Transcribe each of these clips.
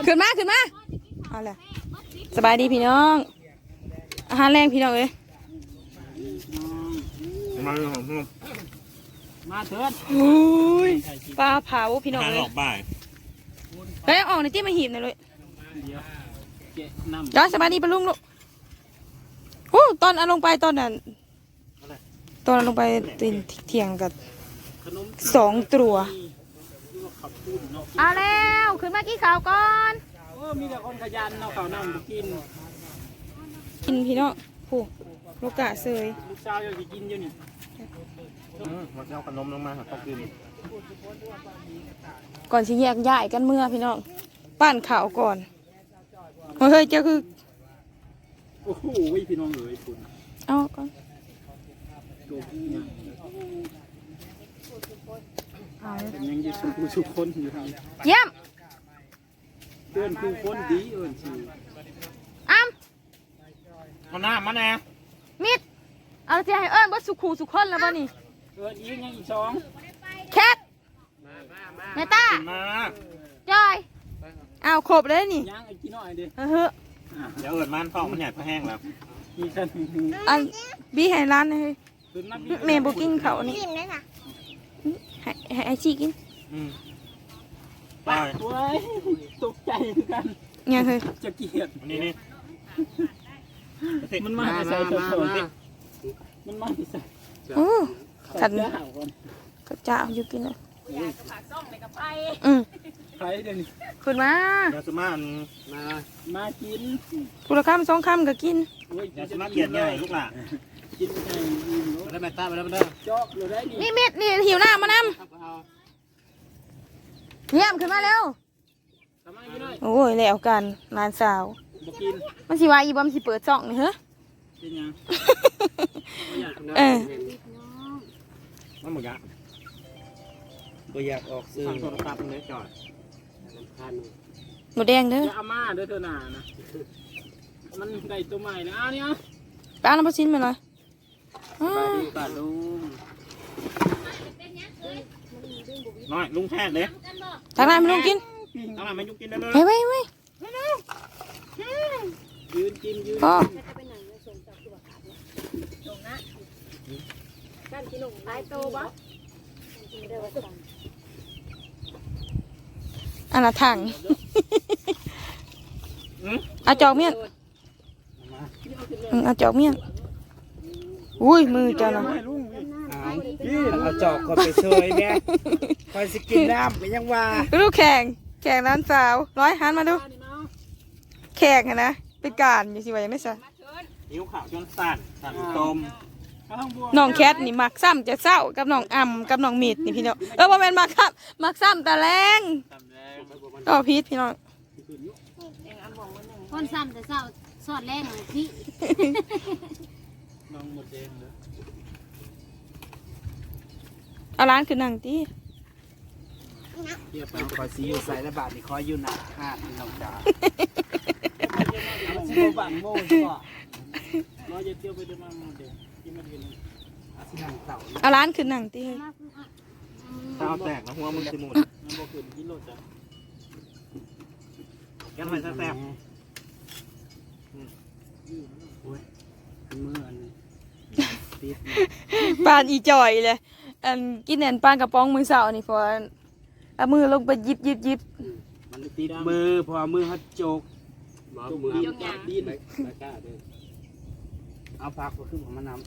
ขึ้นมาเอาล่ะสบายดีพี่น้องอาหารแรงพี่น้องเลยมาเถิดโอ้ยปลาเผาพี่น้องเลยออกบ่ายแล้วออกในที่มาหีบหน่อยเลยย้อนสบายดีปะลุงลูกโอ้ตอนเอาลงไปตอนนั้นตอนเอาลงไปตีนเที่ยงกับ2 ตัวเอาแล้วขึ้นมากินข้าวก่อนมีแต่คนขยันเนาะข้าวน้ำกินพี่น้องผู้ลูกกะเซยลูกสาวอยากกินอยู่นี่มาเอาขนมลงมาหาข้าวกินก่อนสิแยกย้ายกันเมื่อพี่น้องปั้นข้าวก่อนเฮ้ยเจ้าคือโอ้โหพี่น้องเอ๋ยคุณเอาก่อนตัวพี่เนี่ยยังจะสุขคนอยู่ทางเยี่ยมเพื่อนคือคนดีชื่ออ้ำมาหน้ามาแน่มิดเอาจะให้ว่าสุขูสุขคนแล้วป่ะนี่อีกยังอีก2 แคทเมตาจอยเอาครบเลยนี่ยังอีกกี่หน่อยดิเดี๋ยวเอิดมันท้องมันใหญ่พอแห้งแล้วมีกันอันบีให้ร้านเลยเมย์บุกิ้งเขานี่ให้ไอชีกินไปตกใจกันเนี่ยเคยจะเกลียดนี่มันมาใส่ตัวมันมาใส่โอ้ขันก็จะเอาอยู่กินเลยใครเดี๋ยวนี้ขึ้นมายาสมากินผู้ละคำ2 คำก็กินยาสมาเกียดใหญ่ลูกหล่ะกินไงได้แม่ตาไปแล้วเจาะเลยได้นี่มิดนี่หิวหน้ามานำเยี่ยมขึ้นมาเร็วโอ้ยแล้วกันนานสาวมันสิว่าอีบอมสิเปิดจ่องนี่เหรอมันหมดยะบ่อยากออกซื้อโทรศัพท์เลยจอดหมดแดงเด้ออาม่าเด้อเธอหนานะมันได้ตัวใหม่นะเนี่ยป้าน้ำปลาชิ้นมาเลยปลาลุงน้อยลุงแท้เลยทางไหนไม่ลุงกินทางไหนไม่ลุงกินได้เลยไว้ยืนกินยืนอันละถังอาจอกเมียนอาจอกเมียนอุ้ยมือจ้านะเอาจอกก็ไปเชยแม่คอยสกินน้ำไปยังว่าดูแข่งร้านสาวหันมาดูแข่งนะเป็นการอยู่สิว่าอย่างนี้ซะนิ้วขาวจนสั่นต้มน้องแคทนี่มักซ้ำจะเศร้ากับน้องอ่ำกับน้องมีดนี่พี่น้องบ่แม่นมักครับมักซ้ำแต่แรงก็พีชพี่น้องคนซ้ำแต่เศร้าสอดแรงพี่น้องหมดแดงเลยเอาร้านคือหนังตีเรียบร้อยคอยซีอยู่ใส่ระบาดนี่คอยอยู่หนักห้าพี่น้องจ๋าซีโมบังโม่ใช่ป่ะน้อยจะเที่ยวไปเดินมาโมเดลที่มันเป็นเอาร้านคือหนังตีเท้าแตกนะหัวมึงสิมุนน้ำบ่ขึ้นกิโลจ้ะแกทำไมแซ่บมืออันปานอีจ่อยเลยอันกินแหนปลากระป๋องมือเสาร์นี่พอเอามือลงไปยิบมันติดมือพอมือฮัดโจกมือดิ้นเอาผักก็ขึ้นของมันน้ำ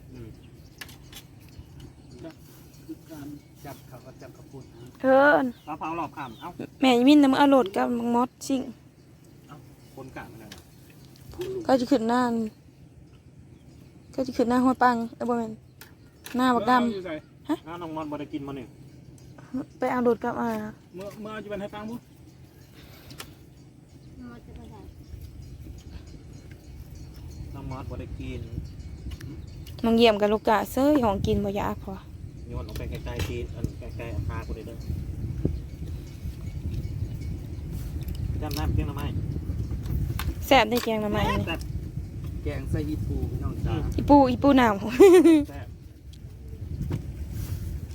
จับเขาก็จับกระปุกเทินเผาหลอกขำเอ้าแม่ยินน้ำเอาโหลดกับมังมดซิ่งคนกะมันอะไรก็จะขึ้นหน้าหัวปังบ่แม่นหน้าบักดำฮะน้องมอนบ่ได้กินมาหนึ่งไปเอาโหลดกับเมื่อจะเป็นให้ปังบุ๊น้องมอนบ่ได้กินน้องเยี่ยมกับลูกกะเซ้ยของกินบ่ยากพอโยนออกไปไกลๆทีไกลๆพาคนเด้อจำน้ำเพียงละไม้แซ่บได้แกงละไม้แกงใส่อีปูน้องจ๋าอีปูหนาว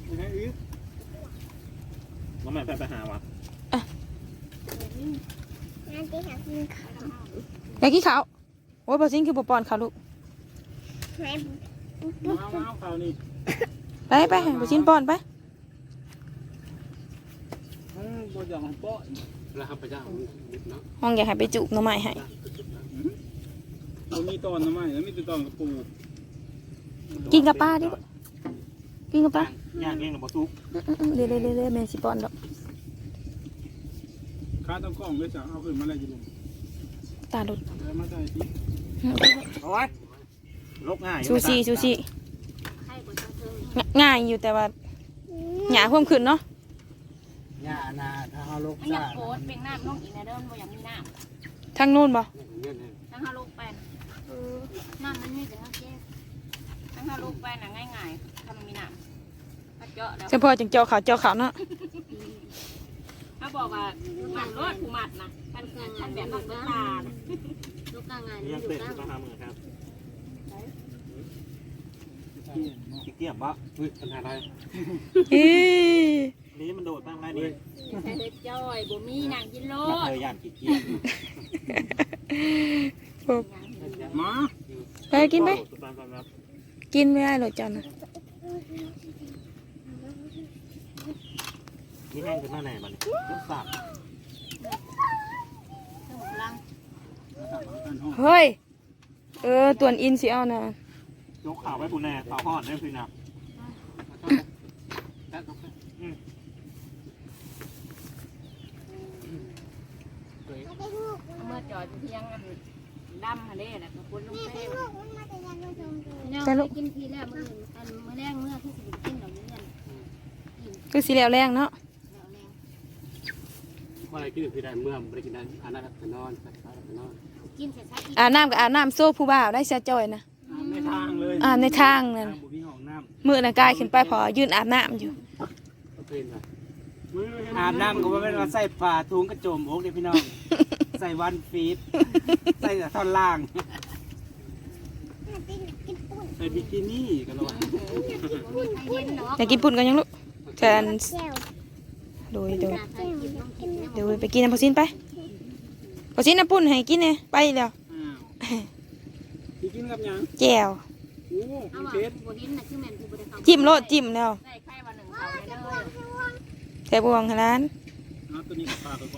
น้องแม่ไปหาวะอยากกินข้าวโอ้ยบ่ซิงคือบ่ป้อนข้าวลูกเอาเขานี่ไปบ่ซิงป้อนไปบ่อยากของป้อแล้วครับพระเจ้านิดเนาะห้องอยากให้ไปจุกหน่อไม้ให้บ่มีตอนนะไม่แล้วมีแต่ตอนกับปูกินกับป้าดิกินกับป้าย่างเองหรือบ่ทุกเรื่อยๆแม่สิป้อนดอกข้าต้องกล้องด้วยจ้ะเอาขึ้นมาเลยจิลุงตาดุดเอามาใส่ที่โอ้ยลกง่ายซูชิให้กดทั้งเทิงง่ายอยู่แต่ว่าหยาเพิ่มขึ้นเนาะหญ้านาถ้าเฮาลกมันอยากโคตรเป็นน้ำน้องอีกนะเด้อมันบ่อยากมีน้ทางนู้นบ่ำทั้งห้าลูกแปนน้ำมันมีแต่ทั้งเจ๊ทั้งห้าลูกแปนน่ะง่ายๆถ้ามันมีน้ำถ้าเจาะแล้วเฉพาะจังเจาะขาวเนาะเขาบอกว่าหมัดรอดผู้หมัดนะท่านแบบนั้นก็ตาลูกกลางงานยังลูเตะกกลางต้องหามือครับขี้เกียจบ่อุ้ยปัญหาอะไรอีนี่มันโดดบ้างไรนี่ใส่เด็ดจ้อยบ่มีนางกินโลนักดเลยย่านขี้เกียจ มาไปกินไปกินไม่ได้หรอกจันนี่แห้งขึ้นมาไหนมันลูกสับเครื่องกลางเฮ้ยตัวนอินสิเอานะยกข่าวไว้ปูแน่ข่าวห่อนได้คือนับเมื่อจอดเพียงอันดำฮะเด้แหละกับคนลงเต้กินทีแล้วมื้ออันมื้อแรกเมื่อที่สิกินดอกนี้กันคือสิแล้วแรงเนาะแล้วแรงว่าอะไรกินคือได้เมื่อไม่ได้กินได้อันนั้นก็นอนนอนกินเสร็จสักอีกอาบน้ำกับอาบน้ำโซ่ผู้บ่าวได้เสียจอยนะในทางเลยในทางนั่นบุมีห้องน้มือน่ะกายขึ้นไปพอยืนอาบน้ำอยู่ำเป็นไรอาบน้ำก็ว่าเป็นว่าใส่ผ้าถุงกระโจมอกเด้พี่น้อง ใส่วันฟีดใส่แต่ท่อนล่างใส่บิกินี่กันหรอเย็นเนาะอยากกินปุ่นกันยังลูกแทนโดยไปกินน้ำพอซินไปพอซินน้ำปุ่นให้กินเนี่ยไปเดี๋ยวพี่กินกับยังแจ่วโอ้เอามีว่าเชฟบ่ดินน่ะคือแม่นคือบ่ได้เข้าจิ้มโลดจิ้มแล้วได้ไข่วันหนึ่งเขาเลยเด้อแซ่บวงขนาดเอาตัวนี้ปลาไปก่อน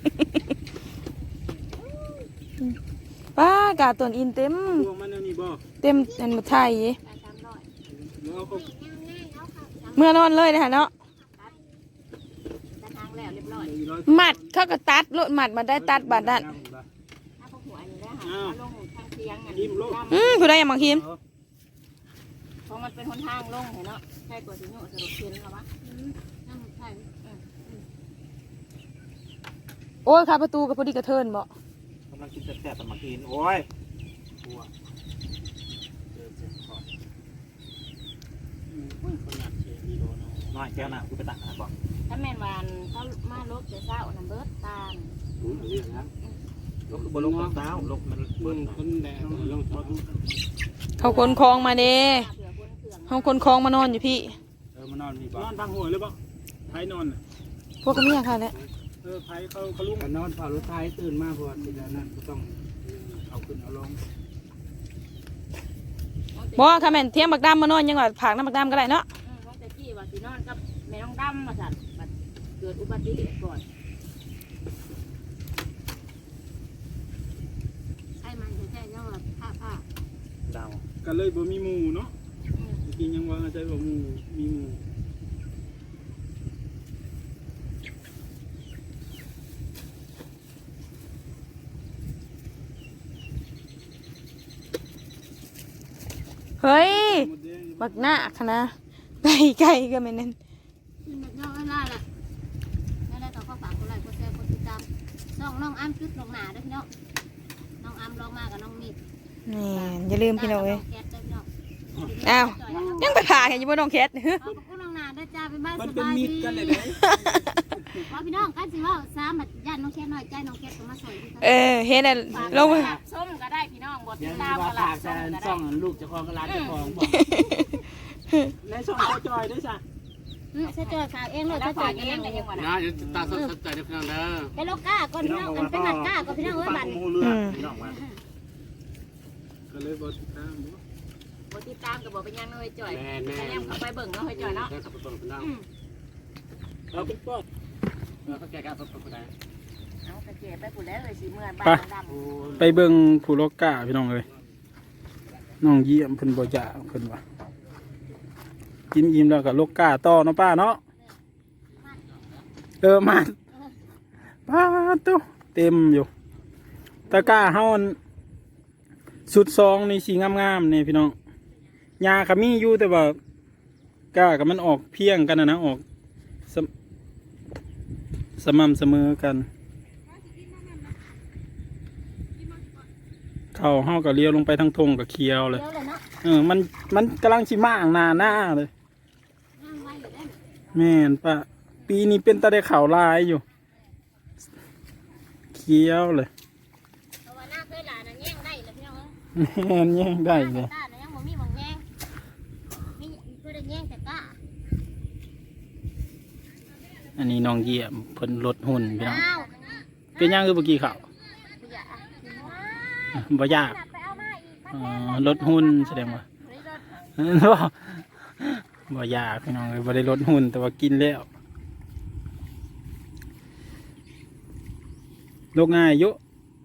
ป้ากาตัวนอินเต็มพวกมันนี่บ่เต็มอันหมดไทยได้300 แล้วเอาเมื่อนอนเลยนะคะเนาะแต่ทางแล้วเรียบร้อยหมัดเขาก็ตัดโลดหมัดมาได้ตัดบาดนั่นถ้าพวกหัวอันนี้ได้หาลงทางเทียงอันยิ้มโลกผู้ใดอยากมาคิมเพราะมันเป็นหนทางลงเห็นเนาะใช่กว่าสิโยสรุปเทียนแล้ววะนั่นใช่โอ้ยค่ะประตูกับพอดีกระเทินบ่กำลังกินแซ่บๆแต่มากินโอ้ยน้อยแก้วหนาคือไปตักอาหารบ่ถ้าแม่นวานเขามาลบเสียเศร้าน้ำเบิดตาลเรื่องนะลกบนลกเท้าลกมันเบิ้ลคนแดงลงทอดเขาขนคลองมาเด้เผื่อคนเขื่องเขาขนคลองมานอนอยู่พี่มานอนนี่บ่นอนพังหัวเลยบ่ไผนอนพวกก็เมียค่ะแหละไผเขาลุกก็นอนเฝ้ารถไฟตื่นมาเพราะว่าทีนั้นก็ต้องเอาขึ้นเอาลงบ่ค่ะแม่นเที่ยงบักดำมานอนยังว่าผากน้ำบักดำก็ได้เนาะน้องแต่กี้ว่าสินอนกับแม่น้องดำมาสั่นบัดเกิดอุบัติเหตุก่อนใช่มันใช่เนาะผ้าดาวก็เลยบ่มีหมู่เนาะกินยังว่าใจบ่หมู่มีหมู่เฮ้ยบักหน้าค่ะนะไก่ก็ไม่นั่นมันย่อไม่ได้ละไม่ได้ต่อข้อฝากคนไรคนแซ่คนติดตามน้องอ้ำจุดลงหนาด้วยเนาะน้องอ้ำลงมากับน้องมีดนี่อย่าลืมพี่น้องเว้ยแคทด้วยเนาะอ้าวยังไปผ่าเห็นอยู่บนน้องแคทขอบคุณน้องนาด้วยจ้าเป็นบ้านมันสเป็นบายมิดดีกันเลยเด้ว่าพี่น้องกันสิว่าสามบัดญาติน้องแคทน้อยใจน้องแคทก็มาสวยที่เห็นแล้วลงไปส้มก็ได้พี่น้องบทเดี๋ยวตามว่าก็ละฝากส้แต่มก็ซ่ได้องลูกเจ้าของก็ร้านเจ้าของบอกในช่องเขาจอยด้วยจ้ะใช่จอยฝากเองเลยใช่จอยเองเลยยังก่อนนะเดี๋ยวตาสนใจเดี๋ยวพี่น้องเด้อไปโลก้าก่อนพี่น้องมันเป็นหมัดก้าก่อนพี่น้องเอ้ยบันหมูเรือพี่น้องมาก็เลยบ่ติดตามบ่บ่ติดตามก็บ่เป็นยังน้อยจ่อยแม่แม่แต่ยังเข้าไปเบิ่งเนาะให้จ่อยเนาะเด้อขับไปเบิ่งพี่น้องเราเป็นป้อเขาแก่กันไปได้เอากระเจี๊ยบไปพุ่นแล้วเลยสิเมื่อบ้านดำไปเบิ่งผู้โลกาพี่น้องเอ้ยน้องเยี่ยมเพิ่นบ่อยากเพิ่นว่ากินอิ่มแล้วก็โลกาต่อเนาะป้าเนาะมาป้าตุ๊เต็มอยู่ตะกร้าเฮาสุดซองนี่สีงามๆนี่พี่น้องยาก็มีอยู่แต่ว่ากล้ากับมันออกเพียงกันนะออกสม่ำเสมอกันเข้าเฮาก็เลี้ยวลงไปทางทงกับเคียวเลยเดี๋ยวเลยเนาะมันกำลังชิมางหน้าเลยนั่งไว้อยู่ได้แม่นปะปีนี้เป็นตาได้ข่าวลายอยู่เคี้ยวเลยเพราะว่าหน้าเคยหลานน่ะแย่งได้เลยพี่น้องแม่นแย่งได้เลยก้าน่ะยังบ่มีหม่องแย่งมีเพื่อได้แย่งแต่ก้าอันนี้น้องเยี่ยมเพิ่นลดหุ่นพี่น้องอ้าวเป็นยังคือเมื่อกี้ข่าวอย่าบ่ยากไปเอามาอีกมาอ๋แทอน ลดหุ่นแสดงว่า บ่ยากพี่น้องเลยบ่ได้ลดหุ่นแต่ว่ากินแล้วโรคง่ายเยอะ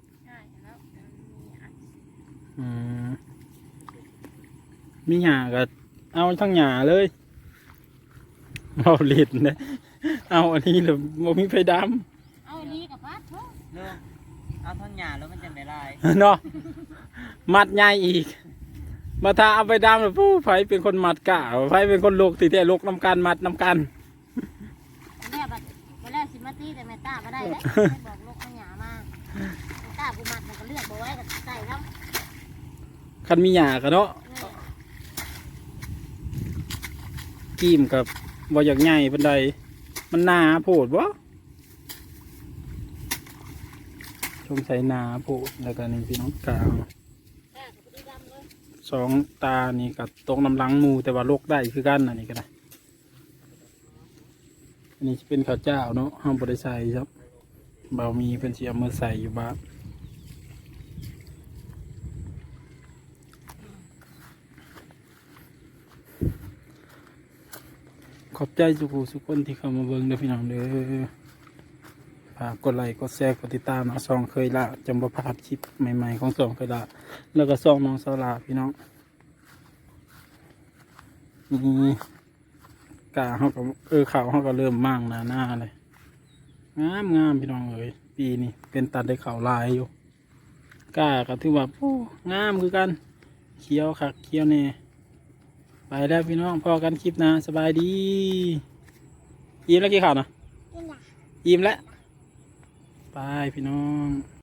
มีหญ้าก็เอาทั้งหญ้าเลยเอาเล็ดนะเอาอันนี้เลยบ่มีไฟดเอาอีลีกับพัดเถอะเอาท่อนหญ้าแล้วมันจะไม่ลายำเนาะมัดใหญ่อีกมาถ้าเอาไปดำแล้วผู้ไฟเป็นคนมัดกะไฟเป็นคนโลกตีแต่โลกน้ำกันมัดน้ำกันแม่บัดไปแล้วสิมาตีแต่แม่ตาก็ได้เด้บอกลูกเอาหยามาแม่ตากูมัดมันก็เลือกบ่ไว้กับใส่ครับคันมีหญ้ากันเนาะกีมกับบ่อยากใหญ่ปานใดมันหนาโพดบ่ชมใส่หนาโพดแล้วก็นี่พี่น้องกลางสองตานี่กับตรงน้ำลังหมูแต่ว่าโลกได้คือกันอันนี้ก็ได้อันนี้เป็นข้าวเจ้าเนาะห้ามบริใส่ครับเบามีเป็นเสียมือใส่อยู่บ้างขอบใจสุกคนที่เข้ามาเบิ่งเด้อพี่น้องเด้อฝากกดไลค์กดแชร์กดติดตามนะซองเคยละจำบ่พลาดคลิปใหม่ๆของซองเคยละแล้วก็ซองน้องสาวลาพี่น้องนี่กาเขาก็ข่าวเขาก็เริ่มมั่งหน้าเลยงามพี่น้องเอ้ยปีนี้เป็นตัดได้ข่าวลายอยู่กาก็ถือว่าโอ้งามคือกันเขียวคักเขียวแน่ไปแล้วพี่น้องพอกันคลิปนะสบายดียิ้มแล้วกี่ข่าวนะยิ้มแล้วไปพี่น้อง